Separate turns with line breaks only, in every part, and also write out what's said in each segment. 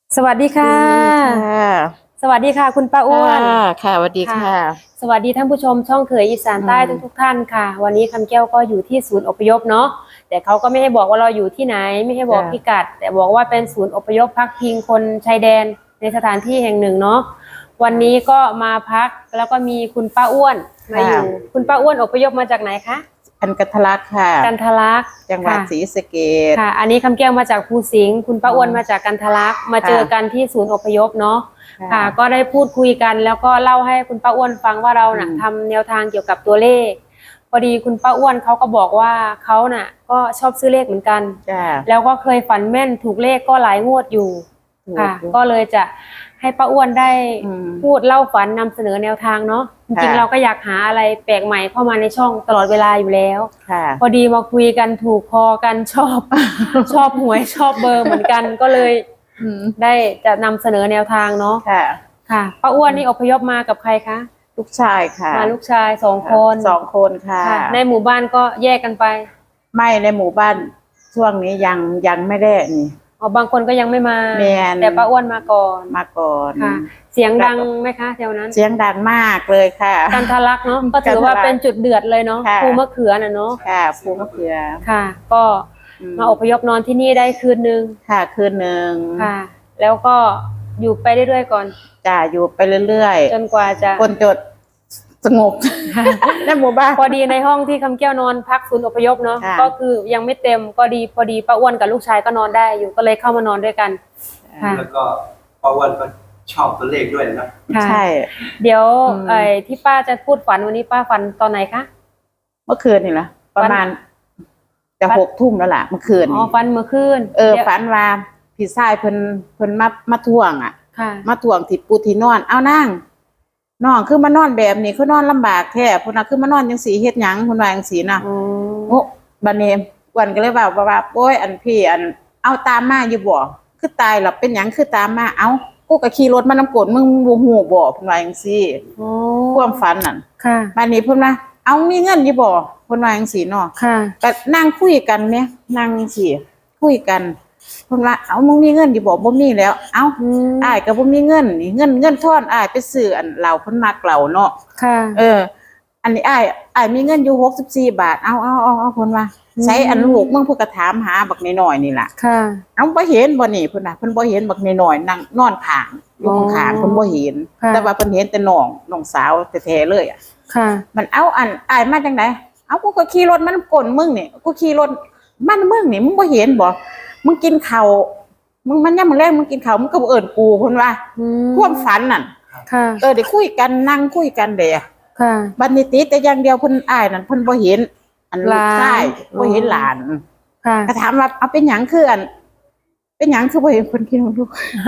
สวัสดีค่ะสวัสดีค่ะคุณป้าอ้วน
ค่ะสวัสดีค่ะ
สวัสดีท่านผู้ชมช่องเขยอีสานใต้ทุกท่านค่ะวันนี้คำแก้วก็อยู่ที่ศูนย์อพยพเนาะแต่เขาก็ไม่ให้บอกว่าเราอยู่ที่ไหนไม่ให้บอกพิกัดแต่บอกว่าเป็นศูนย์อพยพพักพิงคนชายแดนในสถานที่แห่งหนึ่งเนาะวันนี้ก็มาพักแล้วก็มีคุณป้าอ้วนมาอยู่คุณป้าอ้วนอพยพมาจากไหนคะ
กันทลักค่ะ
กันทลัก
จังหวัดศรีสะเกษ
ค่ะอันนี้คำแก้วมาจากภูสิงห์คุณป้าอ้วนมาจากกันทลักมาเจอกันที่ศูนย์อพยพเนาะค่ะก็ได้พูดคุยกันแล้วก็เล่าให้คุณป้าอ้วนฟังว่าเราน่ะทำแนวทางเกี่ยวกับตัวเลขพอดีคุณป้าอ้วนเขาก็บอกว่าเขาน่ะก็ชอบซื้อเลขเหมือนกันแล้วก็เคยฝันแม่นถูกเลขก็หลายงวดอยู่ค่ะก็เลยจะให้ป้าอ้วนได้พูดเล่าฝันนำเสนอแนวทางเนาะจริงๆเราก็อยากหาอะไรแปลกใหม่เข้ามาในช่องตลอดเวลาอยู่แล้วพอดีมาคุยกันถูกคอกันชอบหวยชอบเบอร์เหมือนกันก็เลยได้จะนำเสนอแนวทางเนาะค่ะป้าอ้วนนี่อพยพมากับใครคะ
ลูกชายค่ะ
มาลูกชาย2 คน
ค่ะ
ในหมู่บ้านก็แยกกันไป
ไม่ในหมู่บ้านช่วงนี้ยังไม่ได้นี่
อ๋อบางคนก็ยังไม่มาแต่ป้าอ้วนมาก่อนค่ะเสียงดังไหมคะแถวนั้น
เสียงดังมากเลยค่ะ
กันทะลักเนาะก็ถือว่าเป็นจุดเดือดเลยเนาะภูมะเขือน่ะเนาะ
ค่ะภูมะเขือ
ค่ะก็มาอพยพนอนที่นี่ได้คืนนึง
ค่ะคืนนึง
ค่ะแล้วก็อยู่ไปเรื่อยๆก่อน
จ้าอยู่ไปเรื่อย
ๆจนกว่าจะ
คนจดสงบในหมู่บ้าน
พอดีในห้องที่คำแก้วนอนพักศูนย์อพยพเนาะก็คือยังไม่เต็มก็ดีพอดีป้าอ้วนกับลูกชายก็นอนได้อยู่ก็เลยเข้ามานอนด้วยกัน
แล้วก็ป้าอ้วนก็ชอบตัวเลขด้วยนะ
ใช่เดี๋ยวที่ป้าจะพูดฝันวันนี้ป้าฝันตอนไหนคะ
เมื่อคืนนี่แหละประมาณจะ6 ทุ่มแล้วล่ะเมื่อคืน
อ๋อฝันเมื่อคืน
ฝันว่าพี่ชายเพิ่นมาทวงอ่ะมาทวงที่ปูที่นอนเอานั่งน้องคือมานอนแบบนี้คือนอนลำบากแท้พุ่นน่ะคือมานอนจังสีเฮ็ดหยังพุ่นว่าจังสีน่ะโอ้บัดนี้วันก็เลยว่าโอ้ยอันพี่อันเอาตามมาอยู่บ่คือตายหรอกเป็นหยังคือตามมาเอ้ากูก็ขี่รถมานำกลมึงบ่ฮู้บ่พุ่นว่าจังซี่ความฝันนั่น
ค่ะ
บัดนี้เพิ่นว่าเอามีเงินอยู่บ่พุ่นว่าจังซี่เนาะ
ค่ะ
ก็นั่งคุยกันแหมนั่งสิคุยกันเพิ่นว่าเอามึงมีเงินอยู่บ่บ่มีแล้วเอ้าอ้ายก็บ่มีเงินนี่เงินทอนอ้ายไปซื้ออันเหล้าเพิ่นมักเหล้าเนาะ
ค่ะ
อันนี้อ้ายมีเงินอยู่64 บาทเอาเพิ่นว่าใช้อันลูกมึงเพิ่นก็ถามหาบักน้อยๆนี่ล่ะ
ค่ะ
เอาบ่เห็นบ่นี่เพิ่นน่ะเพิ่นบ่เห็นบักน้อยๆนั่งนอนข้างอยู่ข้างๆเพิ่นบ่เห็นแต่ว่าเพิ่นเห็นแต่น้องสาวแท้ๆเลยอ่ะ
ค่ะ
มันเอาอันอ้ายมาจังได๋เอากูก็ขี่รถมันก้นมึงนี่กูขี่รถมันมึงนี่มึงบ่เห็นบ่มึงกินข้าวมึงมันยามมื้อแลงมึงกินข้าวมึงก็บ่เอิ้นกูเพิ่นว่าความฝันนั่น
ค่ะ
ได้คุยกันนั่งคุยกันเด้
ค่ะ
บัดนี้ติดแต่อย่างเดียวเพิ่นอ้ายนั่นเพิ่นบ่เห็นอันลูกชายบ่เห็นหลาน
ค่ะ
ก็ถามว่าเอาเป็นหยังคืออันเป็นหยังคือบ่เห็นเพิ่นกินลูก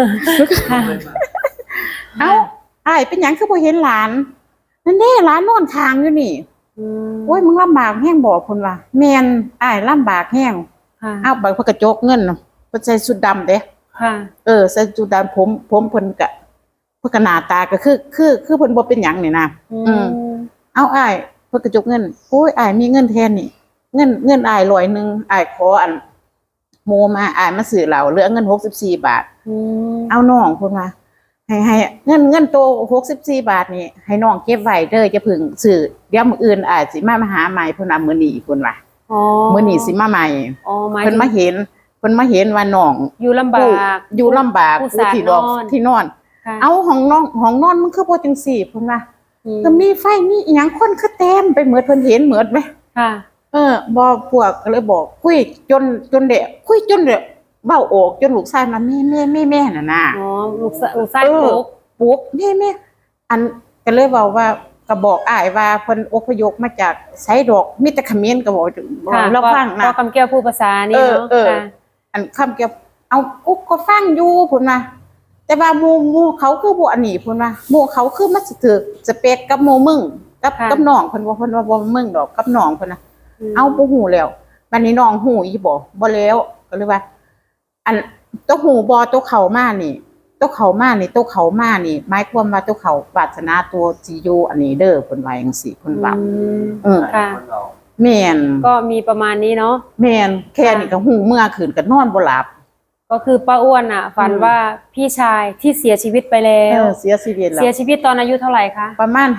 เอ้าอ้ายเป็นหยังคือบ่เห็นหลานนั่นเด้หลานนอนข้างอยู่นี่โอ้ยมึงลำบากแฮงบ่เพิ่นว่าแม่นอ้ายลำบากแฮงเอาบัดเพิ่นก็จกเงินเพิ่นใส่ชุดดำเด้
ค่ะ
ใส่ชุดดำผมเพิ่นก็หน้าตาก็คือเพิ่นบ่เป็นหยังนี่นะเอาอ้ายเพิ่นก็จกเงินโอ้ยอ้ายมีเงินแทนนี่เงินอ้าย100นึงอ้ายขออันโมมาอ้ายมาซื้อเหล้าเหลือเงิน64 บาทเอาน้องเพิ่นว่าให้เงินโต64 บาทนี่ให้น้องเก็บไว้เด้ออย่าพึ่งซื้อเดี๋ยวมื้ออื่นอ้ายสิมาหาใหม่เพิ่นว่ามื้อนี้เพิ่นว่ามื้อนี้สิมาใหม่เพิ่นมาเห็นว่าน้อง
อยู่ลำบาก
ผู้ที่นอนเอาห้องนอนมันคือบ่จังซี่เพิ่นว่าก็มีไฟมีอีหยังคนคือเต็มไปหมดเพิ่นเห็นหมดไหม
ค่ะ
บ่พวกก็เลยบอกคุยจนเด้คุยจนเด้เว้าออกจนลูกชายมาแม่น่ะนะ
อ๋อลูกชายปลุก
แม่อันก็เลยเว้าว่าก็บอกอ้ายว่าเพิ่นอพยพมาจากไสดอกมีแต่เขมรก็บอกเราฟังนะ
คำแก้วพูดภาษานี่เนาะ
อันคำแก้วเอาอุ๊กก็ฟังอยู่พุ่นว่าแต่ว่าหมู่เขาคือบ่อันนี้พุ่นว่าหมู่เขาคือมันสิถูกสเปคกับหมู่มึงกับน้องเพิ่นว่าบ่มึงดอกกับน้องเพิ่นน่ะเอาบ่ฮู้แล้วบัดนี้น้องฮู้อีบ่แล้วก็เลยว่าอันตัวฮู้บ่ตัวเข้ามานี่ตัวเข้ามานี่หมายความว่าตัวเข้าวาสนาตัวสิอยู่อันนี้เด้อเพิ่นว่าจังซี่เพิ่นว่า
ค่ะ
แม่น
ก็มีประมาณนี้เนาะ
แม่นแค่นี้ก็ฮู้เมื่อคืนก็นอนบ่หลับ
ก็คือป้าอ้วนอ่ะ ฝันว่าพี่ชายที่เสียชีวิตไปแล้
เอ
ว
อเสียชีวิตแล้
เสียว ชีวิตตอนอายุเท่าไหร่คะ
ประมาณ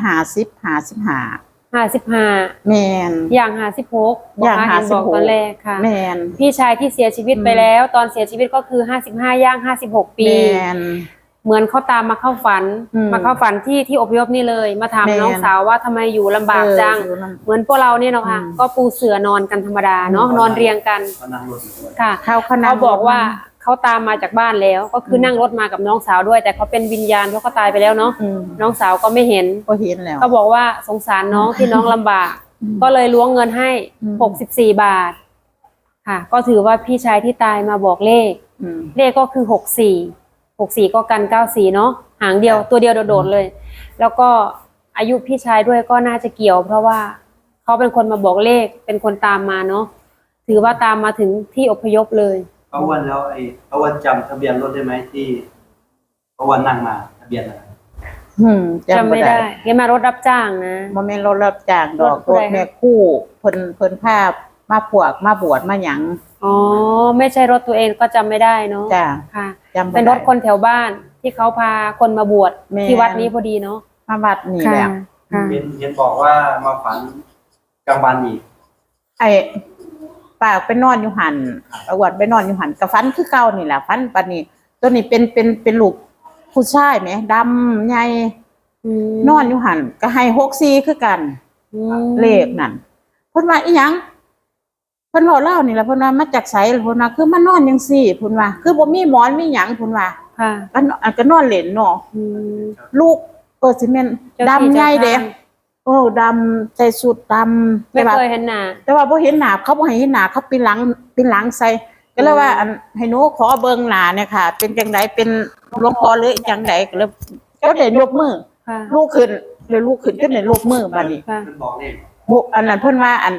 55
55
แม่น
อย่าง56บอก
อย่าง
ค่ะเห็นบอก
56
ตอนแรกค่ะ
แม่น
พี่ชายที่เสียชีวิตไปแล้ว ตอนเสียชีวิตก็คือ55ย่าง56 ปี
แม่น
เหมือนเขาตามมาเข้าฝัน
อืม
มาเข้าฝันที่อพยพนี่เลย มาถาม
แม่น
น้องสาวว่าทำไมอยู่ลำบากจัง
อยู่นั่น
เหมือนพวกเราเนี่ยเนาะค่ะ
อืม
ก็ปูเสื่อนอนกันธรรมดาเนาะ
อืม
นอนเรียงกัน
เขานั่งรถอยู่ด้วย
ค่ะ
เขานั่ง
เขาบอกว่าเขาตามมาจากบ้านแล้ว ก็คือนั่งรถมากับน้องสาวด้วย แต่เขาเป็นวิญญาณเพราะเขาตายไปแล้วเนาะ
อืม
น้องสาวก็ไม่เห็น
ก็เห็นแล้ว
เขาบอกว่าสงสารน้องที่น้องลำบาก ก็เลยล้วงเงินให้
อืม
64 บาท ค่ะ ก็ถือว่าพี่ชายที่ตายมาบอกเลข
อืม
เลขก็คือ64ก็กัน94เนาะหางเดียวตัวเดียวโดดๆเลย แล้วก็อายุพี่ชายด้วยก็น่าจะเกี่ยว เพราะว่าเขาเป็นคนมาบอกเลขเป็นคนตามมาเนาะถือว่าตามมาถึงที่อพยพเลย
ป้าอ้วนแล้วป้าอ้วนจำทะเบียนรถได้ไหมที่ป้าอ้วนนั่งมาทะเบียนอะไร
จำไม่ได้แกมารถรับจ้างนะ
บ่แม่นรถรับจ้างดอก
รถผู้
ร
ใด
ถแม่คู่เพิ่นพามาพวกมาบวชมาหยัง
อ๋อไม่ใช่รถตัวเองก็จำไม่ได้เนาะ
จ้า
ค่ะ
จำบ่ได้
เป็นรถคนแถวบ้านที่เขาพาคนมาบวช
แม่
ที่วัดนี้พอดีเนาะ
มาวัดนี่แห
ค่ะ
ละ
ค่ะ
เห็นบอกว่ามาฝันกลางวันอีก
ไอ้ป้าไปนอนอยู่หันประวัติไปนอนอยู่หันก็ฝันคือเก่านี่แหละฝันปานนี้ ตัวนี้เป็นลูกผู้ชายแหมดำใหญ่นอนอยู่หันก็ให้64คือกัน เลขนั่นเพิ่นว่าอีหยังเพิ่นเว้าเล่านี่แหละเพิ่นว่ามาจากไสเพิ่นว่าคือมานอนจังซี่เพิ่นว่าคือบ่มีหมอนมีหยังเพิ่นว่า
ค่ะ
ก็นอนเล่นเนาะลูกสิแม่น
เจ้าที่
ดำใหญ่เด้
เจ้าทาง
โอ้ดำใส่สุดดำ
ไม่
แต่ว่า
เคยเห็นหน้า
แต่ว่าบ่เห็นหน้าเขาบ่ให้เห็นหน้าเขาปีนหลังใส่ก็เลยว่าอันให้หนูขอเบิ่งหน้าเนี่ยค่ะ เป็นจังไดเป็นหลวงพ่อหรือจังไดก็เลยก็ได้ยกมือ
ค่ะ
ลูกขึ้นเลยลูกขึ้นก็ได้ยกมือบัดนี้
ค่ะ
มันบอกเลข
อันนั้นเพิ่นว่าอัน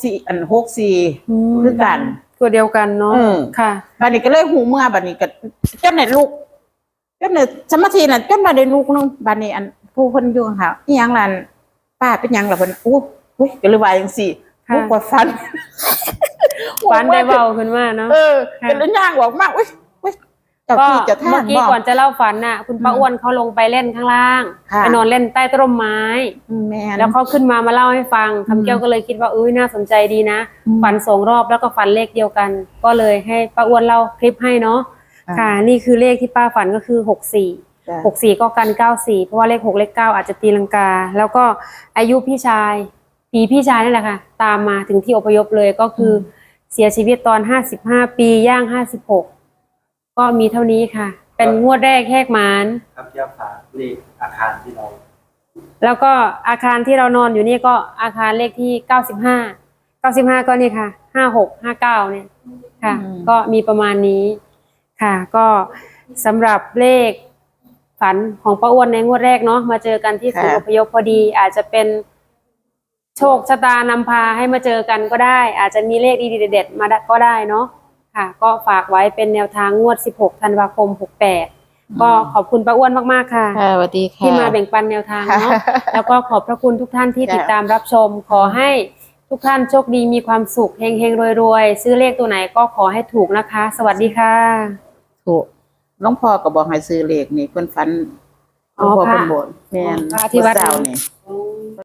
64คือกัน
ตัวเดียวกันเนาะ
เออ
ค่ะ
บัดนี้ก็เลยหูเมื่อบัดนี้ก็จนได้ลูกจนได้สมาธิน่ะจนมาได้ลูกนึงบัดนี้อันผู้เพิ่นอยู่ค่ะอีหยังล่ะป้าเป็นหยังล่ะเพิ่นอู้ยก็เลยว่าจังซี่
ค่ะ
ลูกก็ฟัน
ฝันได้เบาขึ้นมาเนาะ
ก็เลยย่างออกมาอุ้ยเจ้า
ก็
ที่เจ้าทา
เมื่อง กี้
บอก
ก่อนจะเล่าฝันน่ะ คุณป้าอ้วนเขาลงไปเล่นข้างล่าง
ค่ะ
ไปนอนเล่นใต้ต้นไม้
แม่น
แล้วเขาขึ้นมาเล่าให้ฟังคำแก้วก็เลยคิดว่าน่าสนใจดีนะ
อืม
ฝัน2 รอบแล้วก็ฝันเลขเดียวกัน ก็เลยให้ป้าอ้วนเล่าคลิปให้เนาะ
อ่า
ค่ะ นี่คือเลขที่ป้าฝันก็คือ64
จ้ะ
64ก็กัน94เพราะว่าเลข6เลข9อาจจะตีลังกา แล้วก็อายุพี่ชายพี่ชายนั่นแหละค่ะ ตามมาถึงที่อพยพเลยก็คือเสียชีวิตตอน55 ปีย่าง56ก็มีเท่านี้ค่ะ เป็นงวดแรกแหกหมาน
ครับแก้วฝากเลขอาคารที่เรา
แล้วก็อาคารที่เรานอนอยู่นี่ก็อาคารเลขที่95ก็นี่ค่ะ5659เนี่ยค่ะ ก็มีประมาณนี้ค่ะ ก็สำหรับเลขฝันของป้าอ้วนในงวดแรกเนาะมาเจอกันที่ศูนย์อพยพพอดี อาจจะเป็นโชคชะตานำพาให้มาเจอกันก็ได้ อาจจะมีเลขดีๆเด็ดๆมาก็ได้เนาะค่ะ ก็ฝากไว้เป็นแนวทางงวด16ธันวาคม68ก็ขอบคุณป้าอ้วนมากๆค่ะ
ค่ะสวัสดีค่ะ
ที่มาแบ่งปันแนวทางเนาะ แล้วก็ขอบพระคุณทุกท่านที่
จ้ะ
ติดตามรับชม ขอให้ทุกท่านโชคดีมีความสุขเฮงๆรวยๆซื้อเลขตัวไหนก็ขอให้ถูกนะคะ สวัสดีค่ะ
ถูกหลวงพ่อก็บอกให้ซื้อเลขนี่เพิ่นฝันหลวงพ่อ
ค่ะ
เพิ่นบอกแม่น
พระที่วัด
เจ้านี่